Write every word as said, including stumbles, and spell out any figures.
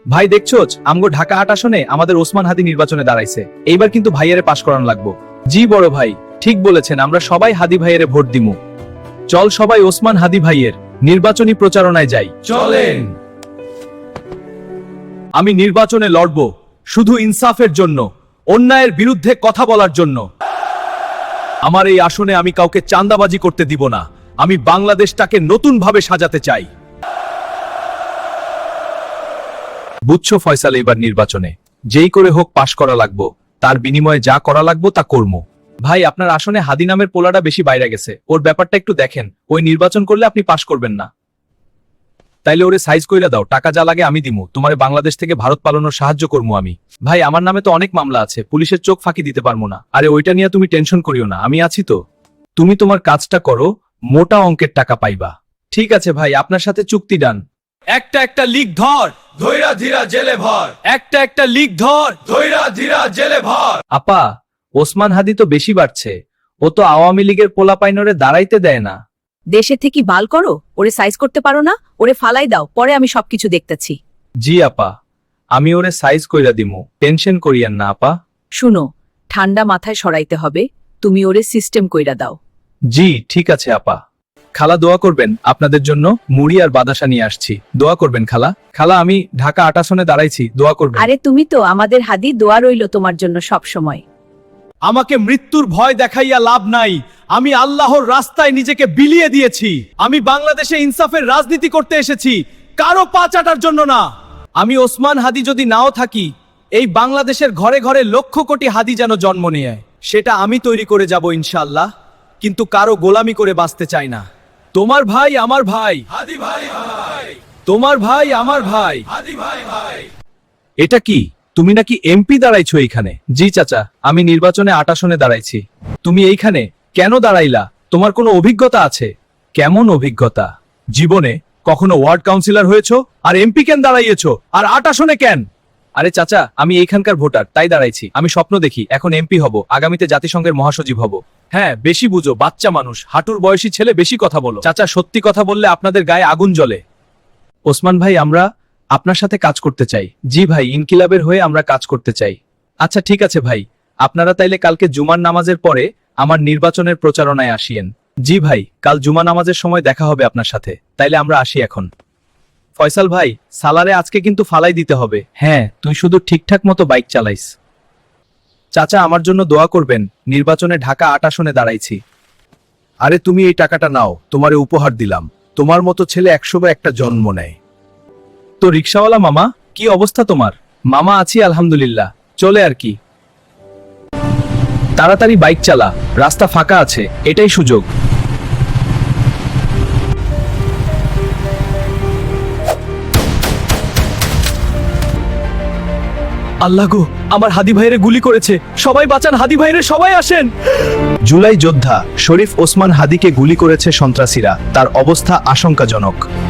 ভাই দেখছোস আমগো ঢাকা আট আসনে আমাদের ওসমান হাদি নির্বাচনে দাঁড়াইছে। এইবার কিন্তু ভাইয়েরে পাশ করান লাগবো। জি বড় ভাই, ঠিক বলেছেন, আমরা সবাই হাদি ভাইয়েরে ভোট দিমু। চল সবাই ওসমান হাদি ভাইয়ের নির্বাচনী প্রচারণায় যাই। চলেন। আমি নির্বাচনে লড়ব শুধু ইনসাফের জন্য, অন্যায়ের বিরুদ্ধে কথা বলার জন্য। আমার এই আসনে আমি কাউকে চাঁদাবাজি করতে দিব না। আমি বাংলাদেশটাকে নতুন ভাবে সাজাতে চাই। বুঝছো ফয়সাল, এবার নির্বাচনে যেই করে হোক পাশ করা লাগবো, তার বিনিময়ে যা করা লাগবো তা করবো। ভাই আপনার আসনে হাদি নামের পোলাটা বেশি বাইরে গেছে, ওর ব্যাপারটা একটু দেখেন। ওই নির্বাচন করলে আপনি পাশ করবেন না। তাইলে ওরে সাইজ কইরা দাও, টাকা যা লাগে আমি দিমু, তোমারে বাংলাদেশ থেকে ভারত পালানোর সাহায্য করবো আমি। ভাই আমার নামে তো অনেক মামলা আছে, পুলিশের চোখ ফাঁকি দিতে পারবো না। আরে ওইটা নিয়ে তুমি টেনশন করিও না, আমি আছি তো। তুমি তোমার কাজটা করো, মোটা অঙ্কের টাকা পাইবা। ঠিক আছে ভাই, আপনার সাথে চুক্তি ডান। একটা একটা লিগ ধর, ধৈরা ধীরা জেলে ভর, একটা একটা লিগ ধর। ধৈরা ধীরা জেলে ভর। আপা, ওসমান হাদি তো বেশি বাড়ছে। ও তো আওয়ামী লীগের পোলাপাইনরে দাঁড়াইতে দেয় না। দেশে থেকে বাল করো, ওরে সাইজ করতে পারো না, ওরে ফালাই দাও, পরে আমি সবকিছু দেখতেছি। জি আপা, আমি ওরে সাইজ কইরা দিমু, টেনশন করিয়েন না আপা। শুনো, ঠান্ডা মাথায় সরাইতে হবে, তুমি ওরে সিস্টেম কইরা দাও। জি ঠিক আছে আপা। খালা দোয়া করবেন, আপনাদের জন্য মুড়ি আর বাদাসা নিয়ে আসছি, দোয়া করবেন খালা। খালা আমি ঢাকা আট আসনে দাঁড়াইছি, দোয়া করবেন। আরে তুমি তো আমাদের হাদি, দোয়া রইল তোমার জন্য সব সময়। আমাকে মৃত্যুর ভয় দেখাইয়া লাভ নাই, আমি আল্লাহর রাস্তায় নিজেকে বিলিয়ে দিয়েছি। আমি বাংলাদেশে ইনসাফের রাজনীতি করতে এসেছি, কারো পা চাটার জন্য না। আমি ওসমান হাদি যদি নাও থাকি, এই বাংলাদেশের ঘরে ঘরে লক্ষ কোটি হাদি যেন জন্ম নিয়ে, সেটা আমি তৈরি করে যাব ইনশাআল্লাহ। কিন্তু কারো গোলামি করে বাঁচতে চাই না। তোমার ভাই আমার ভাই, হাদি ভাই ভাই, তোমার ভাই আমার ভাই। হাদি ভাই ভাই। এটা কি, তুমি নাকি এমপি দাঁড়াইছো এইখানে? জি চাচা, আমি নির্বাচনে আট আসনে দাঁড়াইছি। তুমি এইখানে কেন দাঁড়াইলা? তোমার কোনো অভিজ্ঞতা আছে? কেমন অভিজ্ঞতা? জীবনে কখনো ওয়ার্ড কাউন্সিলর হয়েছো? আর এমপি কেন দাঁড়াইয়েছো? আর আট আসনে কেন? আরে চাচা, আমি এইখানকার ভোটার, তাই দাঁড়াইছি। আমি স্বপ্ন দেখি এখন এমপি হব, আগামীতে জাতিসংঘের মহাসচিব হব। হ্যাঁ, বেশি বুঝো, বাচ্চা মানুষ, হাঁটুর বয়সী ছেলে, বেশি কথা বলো। চাচা, সত্যি কথা বললে আপনাদের গায়ে আগুন জ্বলে। ওসমান ভাই, আমরা আপনার সাথে কাজ করতে চাই। জি ভাই, ইনকিলাবের হয়ে আমরা কাজ করতে চাই। আচ্ছা ঠিক আছে ভাই, আপনারা তাইলে কালকে জুমার নামাজের পরে আমার নির্বাচনের প্রচারণায় আসিয়েন। জি ভাই, কাল জুমা নামাজের সময় দেখা হবে আপনার সাথে। তাইলে আমরা আসি এখন। ফয়সাল ভাই, সালারে আজকে কিন্তু ফালাই দিতে হবে। হ্যাঁ, তুই শুধু ঠিকঠাক মতো বাইক চালাইস। চাচা, আমার জন্য দোয়া করবেন, নির্বাচনে ঢাকা আট আসনে দাঁড়াইছি। আরে তুমি এই টাকাটা নাও, তোমারে উপহার দিলাম। তোমার মতো ছেলে একশো বা একটা জন্ম নেয়। তো রিকশাওয়ালা মামা, কি অবস্থা তোমার? মামা আছি আলহামদুলিল্লাহ, চলে আর কি। তাড়াতাড়ি বাইক চালা, রাস্তা ফাঁকা আছে, এটাই সুযোগ। আল্লাহ গো, আমার হাদি ভাইরে গুলি করেছে, সবাই বাঁচান, হাদি ভাইরে সবাই আসেন। জুলাই যোদ্ধা শরীফ ওসমান হাদিকে গুলি করেছে সন্ত্রাসীরা, তার অবস্থা আশঙ্কাজনক।